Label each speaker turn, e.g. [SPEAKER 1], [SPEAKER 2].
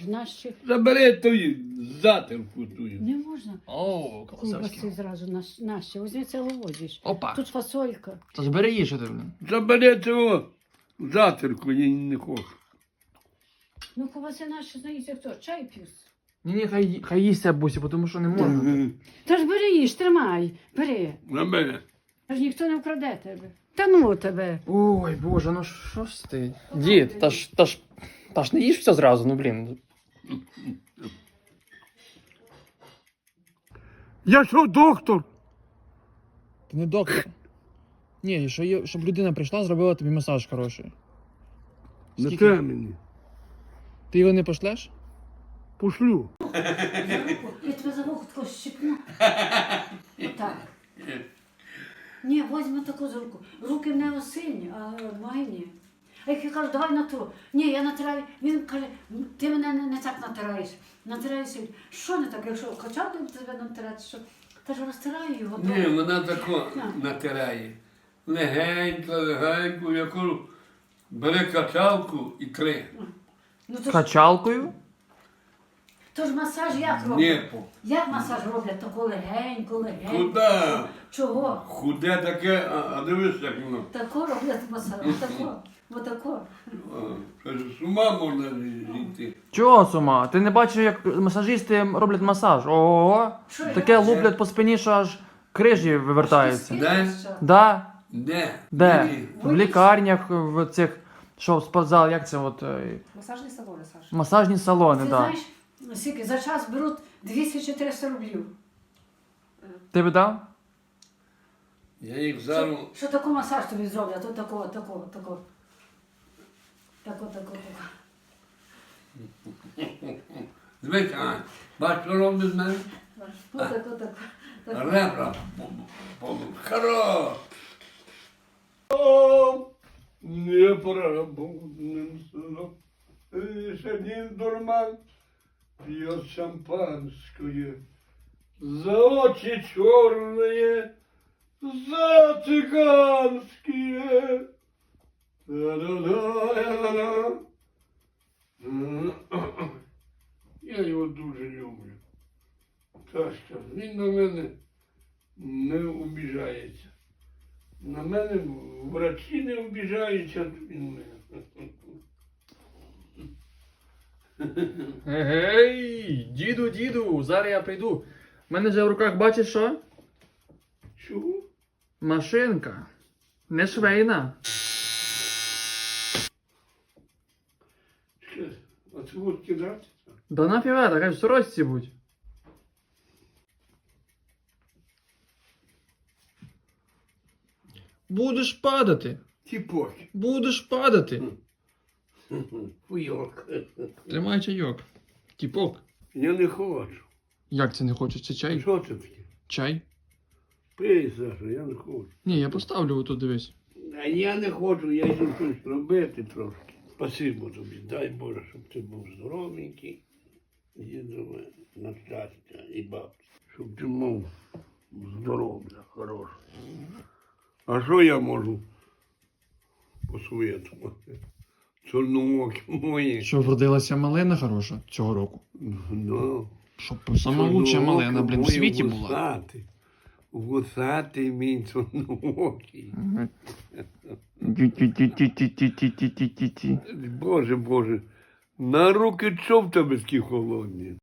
[SPEAKER 1] Наші.
[SPEAKER 2] Забери ту затирку тую.
[SPEAKER 1] Не можна.
[SPEAKER 3] О,
[SPEAKER 1] Ковбаси
[SPEAKER 3] колосовський.
[SPEAKER 1] зразу наші. Візьми це возиш.
[SPEAKER 3] Опа.
[SPEAKER 1] Тут фасолька.
[SPEAKER 3] То збери її, що ти, блін.
[SPEAKER 2] Забери цього затирку, я не хочу.
[SPEAKER 1] Ну, ковбаси наші, знаєте хто? Чай п'ють.
[SPEAKER 3] Ні, хай їсться, бусі, тому що не можна.
[SPEAKER 1] Та ж бери їж, тримай, бери.
[SPEAKER 2] Забери.
[SPEAKER 1] Та ж ніхто не вкраде тебе. Та ну тебе.
[SPEAKER 3] Ой, боже, ну що ж ти? Дід, та ж не їж все зразу, ну блін.
[SPEAKER 2] Я що, доктор?
[SPEAKER 3] Ти не доктор. Ні, щоб людина прийшла, зробила тобі масаж хороший.
[SPEAKER 2] Не
[SPEAKER 3] Скільки?
[SPEAKER 2] те мені.
[SPEAKER 3] Ти його не пошлеш?
[SPEAKER 2] Пошлю.
[SPEAKER 1] Я тебе за вухо тако щипну. Отак. Ні, возьми таку за руку. Руки в нього сильні, а мої ні. А як я кажу, давай натру. Ні, я натираю. Він каже, ти мене не так натираєш. Натираєш. Що не так, якщо качати тебе натирати, що? Та ж розтираю його.
[SPEAKER 2] Ні, вона тако натирає. Легенько, яку бери качалку і три.
[SPEAKER 1] Ну, то ж,
[SPEAKER 3] Качалкою?
[SPEAKER 1] то ж масаж як роблять?
[SPEAKER 2] Нєпо.
[SPEAKER 1] Як масаж роблять? Тако легенько.
[SPEAKER 2] Куда?
[SPEAKER 1] Чого?
[SPEAKER 2] Худе таке, а дивись, як воно.
[SPEAKER 1] Тако роблять масаж. Отако. Отако.
[SPEAKER 2] Це ж з ума можна зійти.
[SPEAKER 3] Чого, Сума? Ти не бачиш, як масажисти роблять масаж? Ого!
[SPEAKER 1] Що я
[SPEAKER 3] Таке
[SPEAKER 1] бачу?
[SPEAKER 3] луплять по спині, що аж крижі вивертаються.
[SPEAKER 2] Де?
[SPEAKER 3] Да?
[SPEAKER 2] Де?
[SPEAKER 3] Де?
[SPEAKER 2] Ні.
[SPEAKER 3] В лікарнях, в цих, що, спортзал, як це от,
[SPEAKER 4] Масажні салони, Саша.
[SPEAKER 3] масажні салони,
[SPEAKER 1] Ти
[SPEAKER 3] так.
[SPEAKER 1] знаєш, скільки за час беруть 200-400 рублів.
[SPEAKER 3] Ти б дав?
[SPEAKER 2] Я їх зараз.
[SPEAKER 1] Що таку масаж тобі зроблять? От такого. Тако.
[SPEAKER 2] Дивись, Ань, бач, що робить з мене?
[SPEAKER 1] Тако.
[SPEAKER 2] Ребра. Хорош. О, не поработным сном. Лишь один дурман пьет шампанское. За очи черные, за цыганские. Да-да-да-да-да. Я його дуже люблю. Сашка, він на мене не обіжається. На мене врачі не обіжаються, він мене.
[SPEAKER 3] Гей, діду, зараз я прийду. У мене вже в руках, бачиш що?
[SPEAKER 2] Чого?
[SPEAKER 3] Машинка. Не швейна.
[SPEAKER 2] Що? А це от кидати?
[SPEAKER 3] Да нафіга, така в сорочці будь. Будеш падати.
[SPEAKER 2] Тіпок.
[SPEAKER 3] Будеш падати.
[SPEAKER 2] Хуйок.
[SPEAKER 3] Тримай чайок. Тіпок.
[SPEAKER 2] Я не хочу.
[SPEAKER 3] Як це не хочеш? Це чай?
[SPEAKER 2] Що це таке?
[SPEAKER 3] Чай?
[SPEAKER 2] Пий, Саша, я не хочу.
[SPEAKER 3] Ні, я поставлю отут, дивись.
[SPEAKER 2] А я не хочу, я йду щось робити трошки. Спасибо тобі, дай Боже, щоб ти був здоровенький, дідове, на щастя і бабці. Щоб ти мав здоров'я хороше. А що я можу посоветувати? Чорноокі мої.
[SPEAKER 3] Що вродилася малина хороша цього року?
[SPEAKER 2] Ну,
[SPEAKER 3] Щоб сама лучша малина, блін, в світі була.
[SPEAKER 2] Вусатий. Вусатий мій чорноокий.
[SPEAKER 3] Ті-ті-ті-ті-ті-ті-ті-ті-ті.
[SPEAKER 2] Боже, Боже, на руки чого в тебе такі холодні?